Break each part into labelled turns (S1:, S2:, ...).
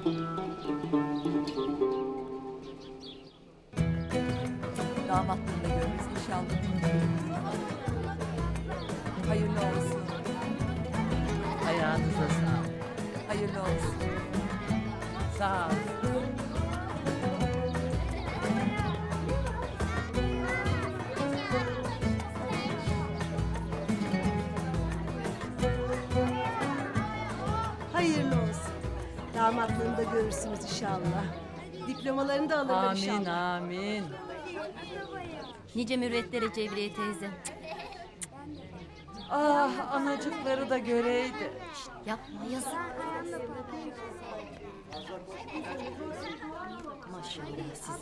S1: Damatlığını da görürüz inşallah. Hayırlı olsun.
S2: Ayağınıza sağlık.
S1: Hayırlı olsun.
S2: Sağ ol.
S3: Hayırlı olsun. Damatlığını da görürsünüz inşallah. Diplomalarını da alırlar
S2: Amin
S3: inşallah.
S2: amin.
S4: Nice mürvetlere Cevriye teyze.
S2: Ah anacıkları da göreydi.
S4: Yapma yazık. Maşallah siz.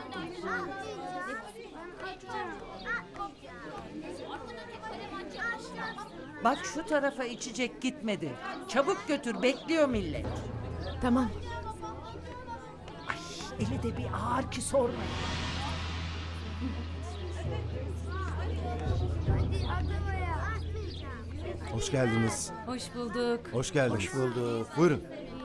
S2: Bak şu tarafa içecek gitmedi. Çabuk götür bekliyor millet.
S3: Tamam.
S2: Eli de bir ağır ki sorma.
S5: Hoş geldiniz.
S4: Hoş bulduk.
S5: Hoş geldiniz. Hoş bulduk. Buyurun.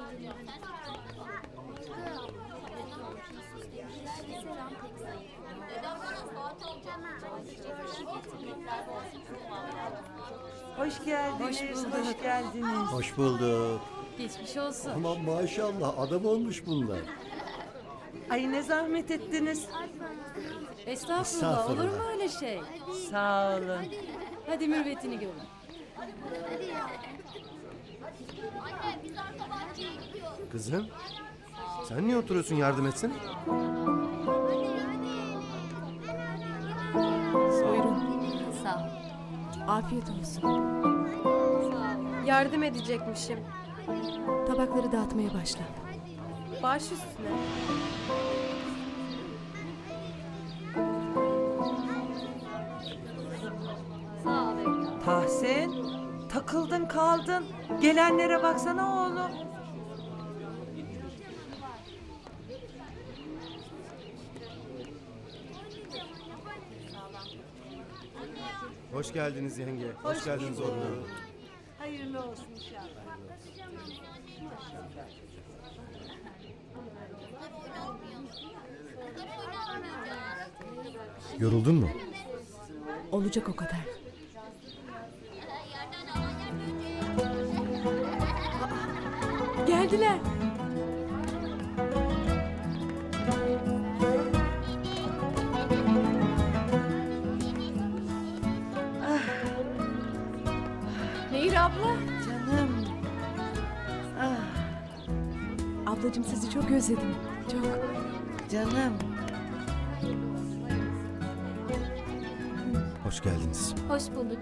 S2: Hoş geldiniz.
S4: Hoş bulduk.
S2: Hoş geldiniz.
S5: Hoş bulduk.
S4: Geçmiş olsun.
S5: Aman maşallah adam olmuş bunlar.
S2: Ay ne zahmet ettiniz.
S4: Estağfurullah. Olur mu öyle şey?
S2: Sağ olun.
S4: Hadi mürvetini görün.
S5: Kızım sen niye oturuyorsun yardım etsin?
S4: Sağ ol.
S3: Afiyet olsun. Yardım edecekmişim. Tabakları dağıtmaya başla. Baş üstüne.
S2: Tahsin, takıldın kaldın. Gelenlere baksana oğlum.
S5: Hoş geldiniz yenge. Hoş geldiniz oğlum.
S3: Hayırlı olsun inşallah.
S5: Yoruldun mu?
S3: Olacak o kadar. Geldiler. Nehir abla.
S2: Canım.
S3: Ablacığım sizi çok özledim. Çok.
S2: Canım.
S5: Hoş geldiniz.
S4: Hoş bulduk.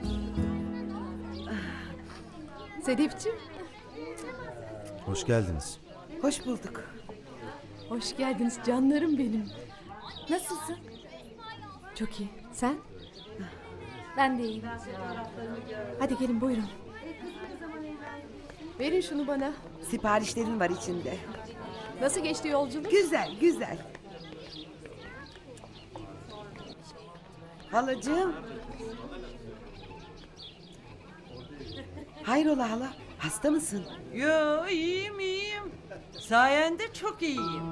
S3: Sedefciğim.
S5: Hoş geldiniz.
S2: Hoş bulduk.
S3: Hoş geldiniz canlarım benim.
S4: Nasılsın?
S3: Çok iyi. Sen?
S4: Ben de iyiyim.
S3: Hadi gelin buyurun. Verin şunu bana.
S6: Siparişlerin var içinde.
S3: Nasıl geçti yolculuk?
S6: Güzel, güzel. Halacığım. Hayrola hala? Hasta mısın?
S2: Yo iyiyim iyiyim. Sayende çok iyiyim.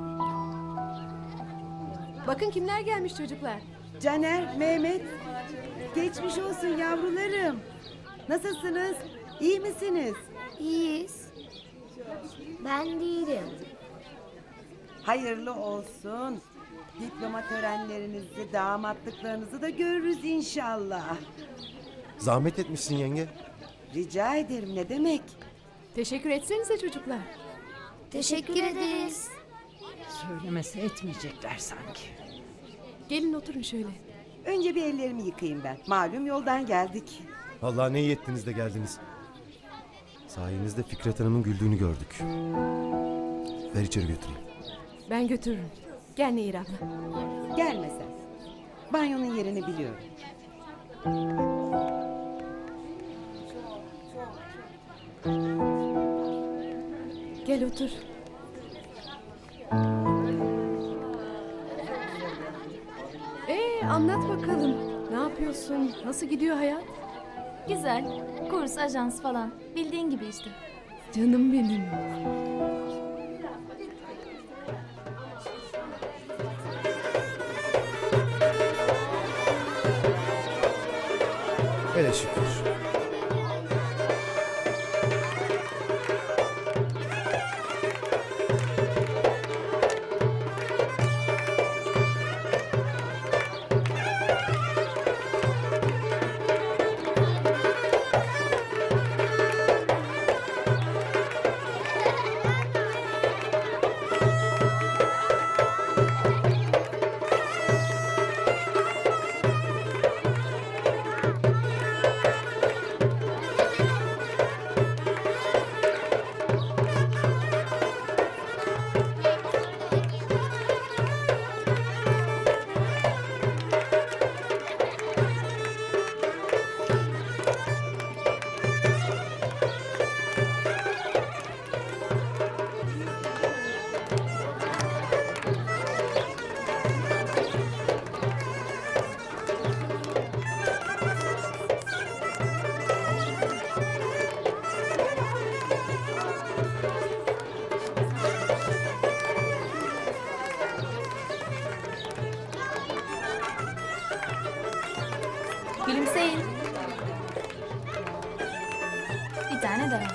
S3: Bakın kimler gelmiş çocuklar.
S6: Caner, Mehmet. Geçmiş olsun yavrularım. Nasılsınız? İyi misiniz?
S7: İyiyiz. Ben değilim.
S6: Hayırlı olsun. Diploma törenlerinizi, damatlıklarınızı da görürüz inşallah.
S5: Zahmet etmişsin yenge.
S6: Rica ederim, ne demek?
S3: Teşekkür etsenize çocuklar.
S7: Teşekkür ederiz.
S2: Söylemese etmeyecekler sanki.
S3: Gelin oturun şöyle.
S6: Önce bir ellerimi yıkayayım ben. Malum yoldan geldik.
S5: Vallahi ne iyi ettiniz de geldiniz. Sayenizde Fikret Hanım'ın güldüğünü gördük. Ver içeri götüreyim.
S3: Ben götürürüm. Gel Nehir abla.
S6: Gelme sen. Banyonun yerini biliyorum.
S3: Gel otur. Anlat bakalım. Ne yapıyorsun? Nasıl gidiyor hayat?
S4: Güzel. Kurs, ajans falan. Bildiğin gibi işte.
S3: Canım benim.
S5: Hele şükür.
S4: Gülümseyin. Bir tane daha.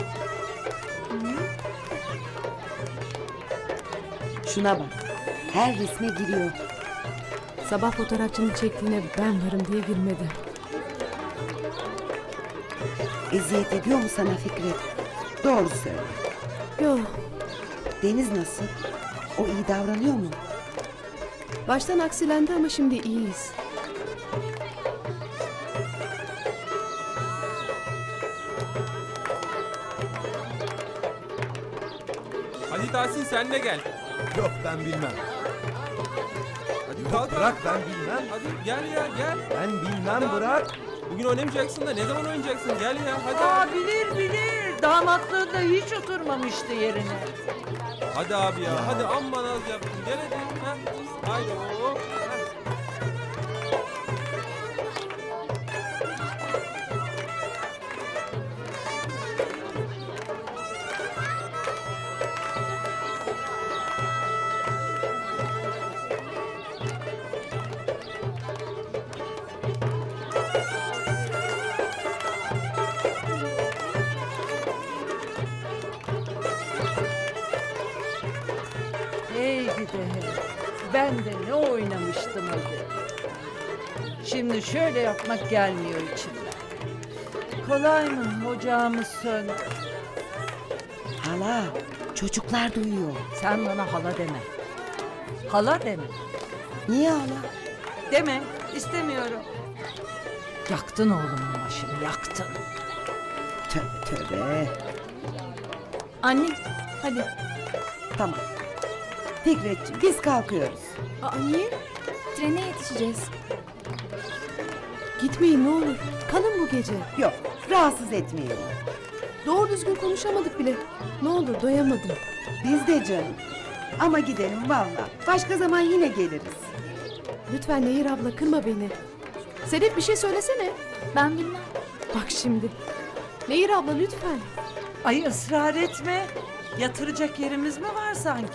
S6: Şuna bak. Her resme giriyor.
S3: Sabah fotoğrafçının çektiğine ben varım diye gülmedi.
S6: Eziyet ediyor mu sana Fikret? Doğru söyle.
S3: Yok.
S6: Deniz nasıl? O iyi davranıyor mu?
S3: Baştan aksilendi ama şimdi iyiyiz.
S8: Hadi Tahsin sen de gel.
S5: Yok ben bilmem.
S8: Hadi kalk.
S5: Bırak ben bilmem.
S8: Hadi gel ya gel.
S5: Ben bilmem bırak.
S8: Bugün oynamayacaksın da ne zaman oynayacaksın? Gel ya hadi.
S2: Aa bilir. Damatlığında hiç oturmamıştı yerine.
S8: Hadi abi ya. Hadi amma naz yaptın. Gel hadi. Ha. Haydi oğlum. Ha.
S2: Hey gidi hey. Ben de ne oynamıştım öyle. Şimdi şöyle yapmak gelmiyor içimden. Kolay mı ocağımız söndü.
S6: Hala, çocuklar duyuyor.
S2: Sen bana hala deme. Hala deme.
S6: Niye hala?
S2: Deme. İstemiyorum. Yaktın oğlumun başını yaktın.
S6: Tövbe tövbe.
S4: Anne, hadi.
S6: Tamam. Fikretciğim biz kalkıyoruz.
S3: Aa niye?
S4: Trene yetişeceğiz.
S3: Gitmeyin ne olur. Kalın bu gece.
S6: Yok, rahatsız etmeyelim.
S3: Doğru düzgün konuşamadık bile. Ne olur doyamadım.
S6: Biz de canım. Ama gidelim valla. Başka zaman yine geliriz.
S3: Lütfen Nehir abla kırma beni. Sedef bir şey söylesene.
S4: Ben bilmem.
S3: Bak şimdi. Nehir abla lütfen.
S2: Ay ısrar etme. Yatıracak yerimiz mi var sanki?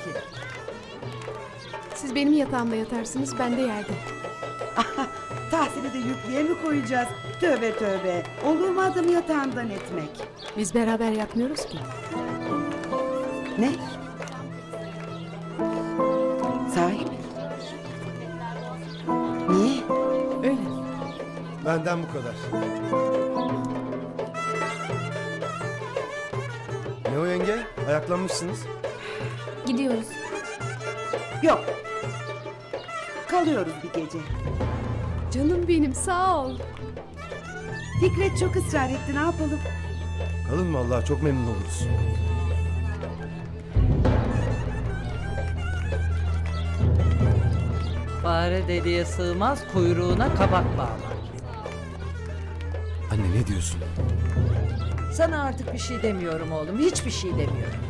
S3: Siz benim yatağımda yatarsınız ben de yerde.
S6: Tahsin'i de yüklüğe mi koyacağız? Tövbe tövbe. Olur mu adamı yatağından etmek?
S3: Biz beraber yatmıyoruz ki.
S6: Ne? Sahi mi? Niye?
S3: Öyle.
S5: Benden bu kadar. Ne o yenge? Ayaklanmışsınız.
S4: Gidiyoruz.
S6: Yok. Kalıyoruz bir gece.
S3: Canım benim sağ ol.
S6: Fikret çok ısrar etti, ne yapalım?
S5: Kalın vallahi çok memnun oluruz.
S2: Fare deliğe sığmaz, kuyruğuna kabak bağlar.
S5: Anne ne diyorsun?
S2: Sana artık bir şey demiyorum oğlum, hiçbir şey demiyorum.